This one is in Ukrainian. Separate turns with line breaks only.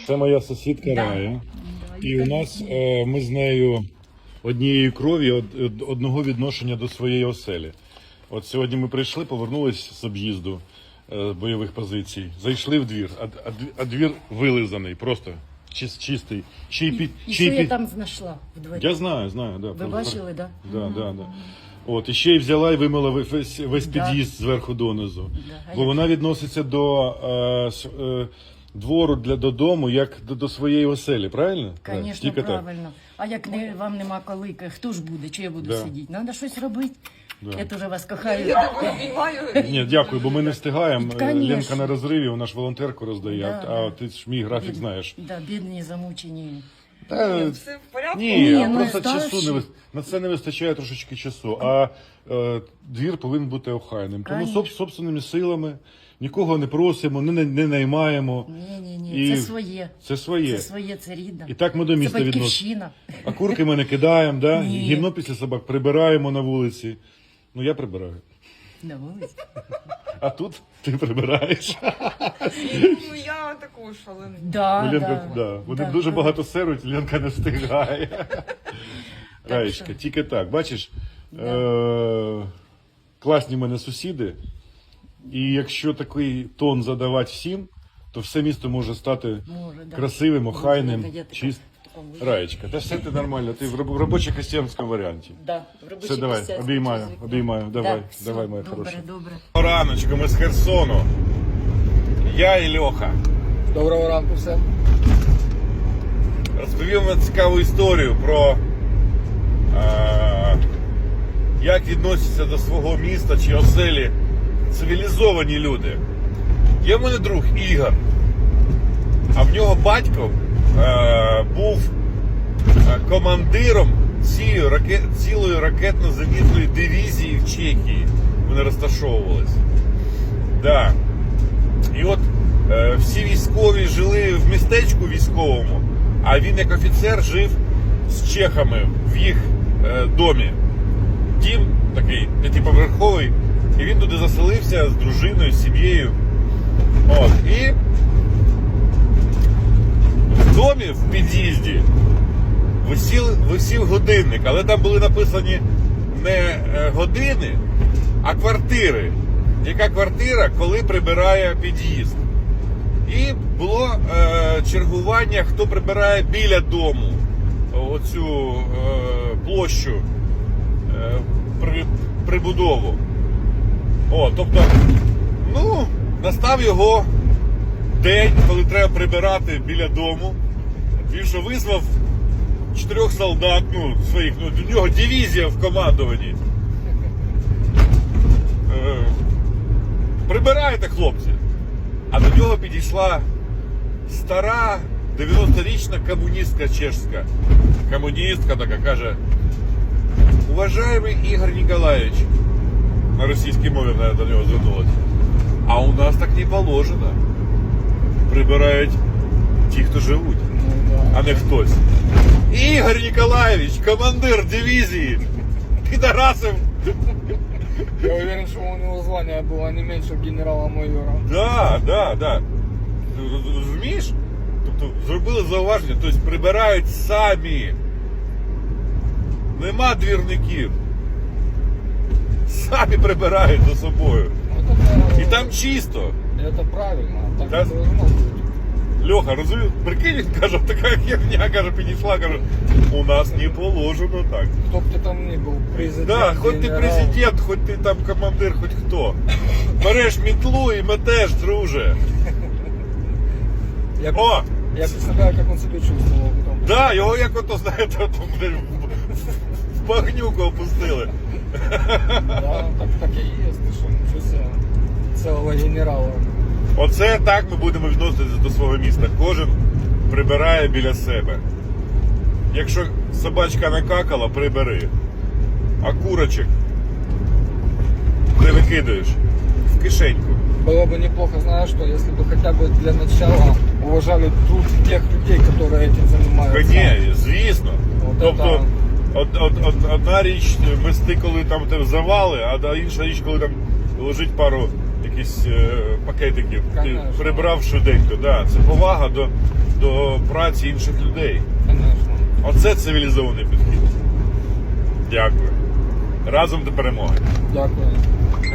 Це моя сусідка Рая. І у нас ми з нею однієї крові, одного відношення до своєї оселі. От сьогодні ми прийшли, повернулись з об'їзду бойових позицій, зайшли в двір, а двір вилизаний, просто чистий.
І що я там знайшла в дворі?
Я знаю, да.
Ви бачили, да?
Да. От, і ще й взяла і вимила весь під'їзд зверху донизу. Бо вона відноситься до двору додому, як до своєї оселі, правильно?
Звісно, правильно. А як вам нема коли, хто ж буде, чи я буду сидіти? Треба щось робити. Я теж вас кохаю.
Я такою обіймаю.
Ні, дякую, бо ми не встигаємо.
Конечно.
Ленка на розриві, вона ж волонтерку роздає, а ти ж мій графік знаєш.
Да, бідні, замучені.
Все в порядку?
Ні,
ну,
просто
старші.
часу на це не вистачає трошечки часу. А двір повинен бути охайним. Тому собственними силами нікого не просимо, не наймаємо.
Ні, це своє.
Це своє.
Це своє, це рідне.
І так ми до міста
Це
відносимо.
батьківщина.
А курки ми не кидаємо, да?
Ні.
Гімно після собак прибираємо на вулиці. Ну я прибираю.
На вулиці.
А тут ти прибираєш.
Ну, я також, але...
Да. Вони дуже багато серуть, Ленка не встигає. Раєчка, тільки так. Бачиш, класні в мене сусіди. І якщо такий тон задавати всім, то все місто може стати красивим, охайним, чистим. Раєчка, та все ти нормально, ти в робочо-крестьянському варіанті.
Да,
все, давай, обіймаю, давай, моя хороша.
Добре.
Раночку, ми з Херсону. Я і Льоха.
Доброго ранку всім.
Розповів вам цікаву історію про як відносяться до свого міста чи оселі цивілізовані люди. Є в мене друг Ігор, а в нього батько був командиром цілої ракетно-зенітної дивізії в Чехії. Вони розташовувалися. Да. І от всі військові жили в містечку військовому, а він як офіцер жив з чехами в їх домі. Дім такий п'ятиповерховий, і він туди заселився з дружиною, з сім'єю. От. І в домі, в під'їзді, висів годинник, але там були написані не години, а квартири. Яка квартира, коли прибирає під'їзд. І було чергування, хто прибирає біля дому оцю площу, прибудову. Тобто, настав його день, коли треба прибирати біля дому. Він що визвав 4 солдат, своїх, до нього дивізія в командуванні. Прибирайте, хлопці. А до нього підійшла стара 90-річна комуністка чешська. Комуністка така каже: уважаємий Ігор Ніколаєвич, на російській мові до нього звернулася, а у нас так не положено. Прибирають ті, хто живуть, а не хтось. Ігор Ніколаєвич, командир дивізії, підарасив.
Я уверен, что у него звание было не меньше генерала-майора.
Да. Розумієш? Тобто зробили зауваження, тобто прибирають самі. Нема двірників. Самі прибирають за собою. І там чисто.
Это правильно, так
Да.
не должно быть.
Льоха, розумієш? Прикинь, він каже, така херня, каже, підійшла, каже, у нас не положено так.
Кто бы ты там ни был, президент,
Да, хоч ти
генерал.
президент, хоч ти там командир, хоч хто. Береш мітлу і метеш, друже. О!
Я представляю, как он себя чувствовал потом.
Да, його як ото, знаєте, в багнюку опустили.
Да, так и есть, ты что, ничего себе. Целого генерала.
Оце так ми будемо відноситися до свого міста. Кожен прибирає біля себе. Якщо собачка накакала, прибери. А курочок не викидаєш в кишеньку.
Было бы неплохо, знаешь, что если бы хотя бы для начала уважали труд тех людей, которые этим занимаются.
Ні, звісно.
Вот
Тобто
это...
одна річ мести, коли там завали, а інша річ, коли там лежить пару якісь пакетиків, ти
Конечно.
прибрав швиденько. Да. Це повага до праці інших людей.
Конечно.
Оце цивілізований підхід. Дякую. Разом до перемоги.
Дякую.